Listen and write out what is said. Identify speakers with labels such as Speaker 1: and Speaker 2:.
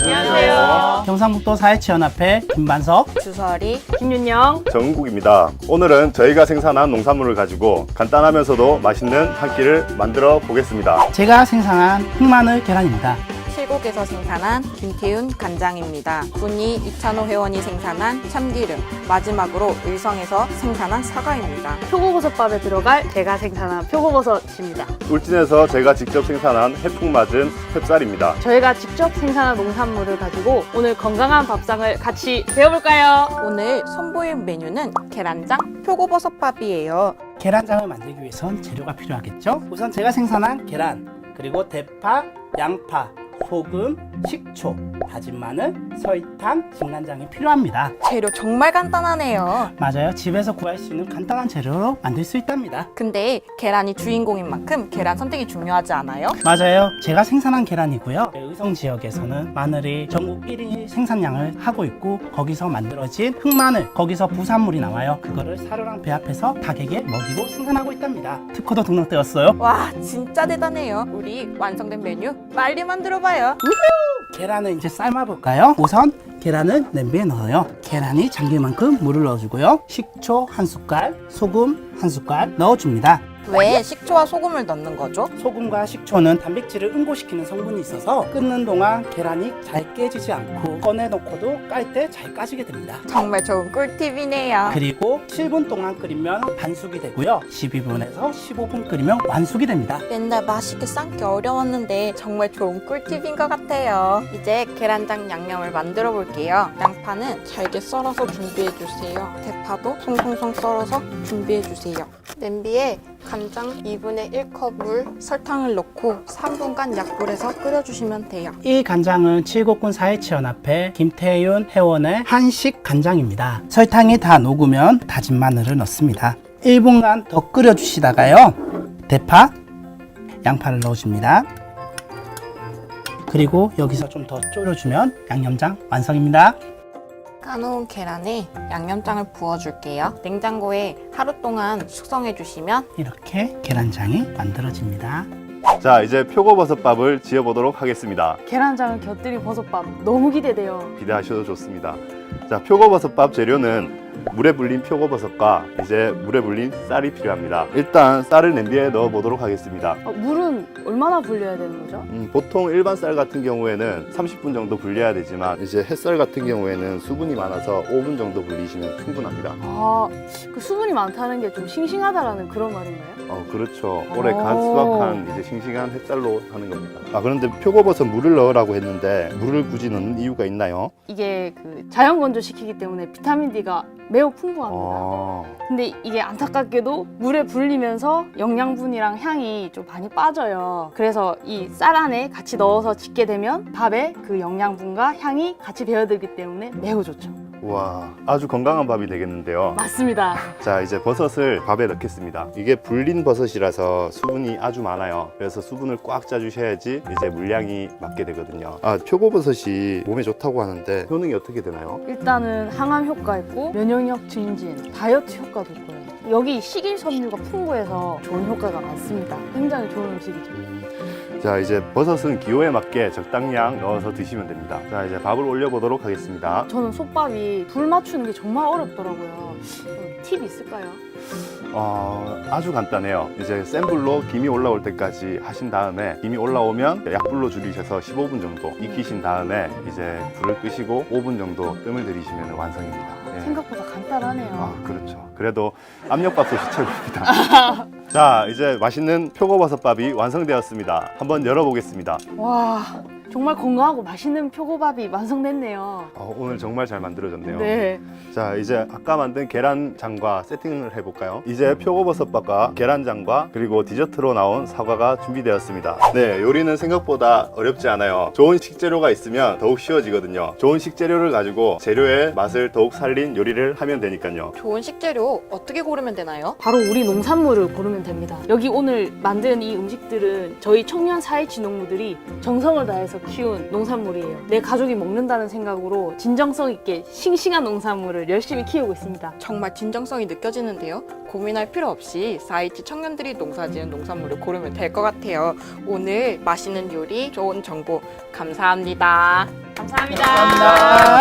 Speaker 1: 안녕하세요.
Speaker 2: 경상북도 사회치연합회 김반석,
Speaker 3: 주설이,
Speaker 1: 김윤영.
Speaker 4: 정국입니다. 오늘은 저희가 생산한 농산물을 가지고 간단하면서도 맛있는 한 끼를 만들어 보겠습니다.
Speaker 2: 제가 생산한 흑마늘 계란입니다.
Speaker 3: 칠곡에서 생산한 김태윤 간장입니다. 군이 이찬호 회원이 생산한 참기름, 마지막으로 의성에서 생산한 사과입니다.
Speaker 1: 표고버섯밥에 들어갈 제가 생산한 표고버섯입니다.
Speaker 4: 울진에서 제가 직접 생산한 해풍 맞은 햅쌀입니다.
Speaker 1: 저희가 직접 생산한 농산물을 가지고 오늘 건강한 밥상을 같이 배워볼까요?
Speaker 3: 오늘 선보일 메뉴는 계란장 표고버섯밥이에요.
Speaker 2: 계란장을 만들기 위해선 재료가 필요하겠죠? 우선 제가 생산한 계란, 그리고 대파, 양파, 소금, 식초, 다진 마늘, 설탕, 진간장이 필요합니다.
Speaker 3: 재료 정말 간단하네요.
Speaker 2: 맞아요. 집에서 구할 수 있는 간단한 재료로 만들 수 있답니다.
Speaker 3: 근데 계란이 주인공인 만큼 계란 선택이 중요하지 않아요?
Speaker 2: 맞아요. 제가 생산한 계란이고요. 의성 지역에서는 마늘이 전국 1위 생산량을 하고 있고 거기서 만들어진 흑마늘, 거기서 부산물이 나와요. 그거를 사료랑 배합해서 닭에게 먹이고 생산하고 있답니다. 특허도 등록되었어요.
Speaker 3: 와, 진짜 대단해요. 우리 완성된 메뉴 빨리 만들어봐요.
Speaker 2: 계란을 이제 삶아볼까요? 우선 계란을 냄비에 넣어요. 계란이 잠길 만큼 물을 넣어주고요. 식초 1숟갈, 소금 1숟갈 넣어줍니다.
Speaker 3: 왜 식초와 소금을 넣는 거죠?
Speaker 2: 소금과 식초는 단백질을 응고시키는 성분이 있어서 끓는 동안 계란이 잘 깨지지 않고 꺼내놓고도 깔 때 잘 까지게 됩니다.
Speaker 3: 정말 좋은 꿀팁이네요.
Speaker 2: 그리고 7분 동안 끓이면 반숙이 되고요. 12분에서 15분 끓이면 완숙이 됩니다.
Speaker 3: 맨날 맛있게 삶기 어려웠는데 정말 좋은 꿀팁인 것 같아요. 이제 계란장 양념을 만들어 볼게요. 양파는 잘게 썰어서 준비해 주세요. 대파도 송송송 썰어서 준비해 주세요. 냄비에 간장 2분의 1컵 물, 설탕을 넣고 3분간 약불에서 끓여주시면 돼요.
Speaker 2: 이 간장은 칠곡군 사회치연합회 김태윤 회원의 한식 간장입니다. 설탕이 다 녹으면 다진 마늘을 넣습니다. 1분간 더 끓여주시다가요. 대파, 양파를 넣어줍니다. 그리고 여기서 좀 더 졸여주면 양념장 완성입니다.
Speaker 3: 까놓은 계란에 양념장을 부어줄게요. 냉장고에 하루 동안 숙성해 주시면
Speaker 2: 이렇게 계란장이 만들어집니다.
Speaker 4: 자, 이제 표고버섯밥을 지어보도록 하겠습니다.
Speaker 1: 계란장을 곁들인 버섯밥 너무 기대돼요.
Speaker 4: 기대하셔도 좋습니다. 자, 표고버섯밥 재료는 물에 불린 표고버섯과 이제 물에 불린 쌀이 필요합니다. 일단 쌀을 냄비에 넣어 보도록 하겠습니다.
Speaker 1: 물은 얼마나 불려야 되는 거죠?
Speaker 4: 보통 일반 쌀 같은 경우에는 30분 정도 불려야 되지만 이제 햇쌀 같은 경우에는 수분이 많아서 5분 정도 불리시면 충분합니다.
Speaker 1: 그 수분이 많다는 게 좀 싱싱하다라는 그런 말인가요?
Speaker 4: 그렇죠. 올해 갓 수확한 이제 싱싱한 햇살로 하는 겁니다. 그런데 표고버섯 물을 넣으라고 했는데 물을 굳이 넣는 이유가 있나요?
Speaker 1: 이게 그 자연 건조시키기 때문에 비타민 D가 매우 풍부합니다. 근데 이게 안타깝게도 물에 불리면서 영양분이랑 향이 좀 많이 빠져요. 그래서 이 쌀 안에 같이 넣어서 짓게 되면 밥에 그 영양분과 향이 같이 배어들기 때문에 매우 좋죠.
Speaker 4: 와, 아주 건강한 밥이 되겠는데요.
Speaker 1: 맞습니다.
Speaker 4: 자, 이제 버섯을 밥에 넣겠습니다. 이게 불린 버섯이라서 수분이 아주 많아요. 그래서 수분을 꽉 짜주셔야지 이제 물량이 맞게 되거든요. 표고버섯이 몸에 좋다고 하는데 효능이 어떻게 되나요?
Speaker 1: 일단은 항암 효과 있고 면역력 증진, 다이어트 효과도 있고요. 여기 식이섬유가 풍부해서 좋은 효과가 많습니다. 굉장히 좋은 음식이죠.
Speaker 4: 자, 이제 버섯은 기호에 맞게 적당량 넣어서 드시면 됩니다. 자, 이제 밥을 올려보도록 하겠습니다.
Speaker 1: 저는 솥밥이 불 맞추는 게 정말 어렵더라고요. 팁 있을까요?
Speaker 4: 아주 간단해요. 이제 센 불로 김이 올라올 때까지 하신 다음에 김이 올라오면 약불로 줄이셔서 15분 정도 익히신 다음에 이제 불을 끄시고 5분 정도 뜸을 들이시면 완성입니다. 예.
Speaker 1: 생각보다 간단하네요.
Speaker 4: 그렇죠. 그래도 압력밥솥이 최고입니다. 자, 이제 맛있는 표고버섯밥이 완성되었습니다. 한번 열어보겠습니다.
Speaker 1: 와, 정말 건강하고 맛있는 표고밥이 완성됐네요.
Speaker 4: 오늘 정말 잘 만들어졌네요.
Speaker 1: 네.
Speaker 4: 자, 이제 아까 만든 계란장과 세팅을 해볼까요? 이제 표고버섯밥과 계란장과 그리고 디저트로 나온 사과가 준비되었습니다. 네, 요리는 생각보다 어렵지 않아요. 좋은 식재료가 있으면 더욱 쉬워지거든요. 좋은 식재료를 가지고 재료의 맛을 더욱 살린 요리를 하면 되니까요.
Speaker 3: 좋은 식재료 어떻게 고르면 되나요?
Speaker 1: 바로 우리 농산물을 고르면 됩니다. 여기 오늘 만든 이 음식들은 저희 청년 사회치 농부들이 정성을 다해서 키운 농산물이에요. 내 가족이 먹는다는 생각으로 진정성 있게 싱싱한 농산물을 열심히 키우고 있습니다.
Speaker 3: 정말 진정성이 느껴지는데요. 고민할 필요 없이 4.27 청년들이 농사지은 농산물을 고르면 될 것 같아요. 오늘 맛있는 요리, 좋은 정보 감사합니다.
Speaker 1: 감사합니다.
Speaker 2: 감사합니다.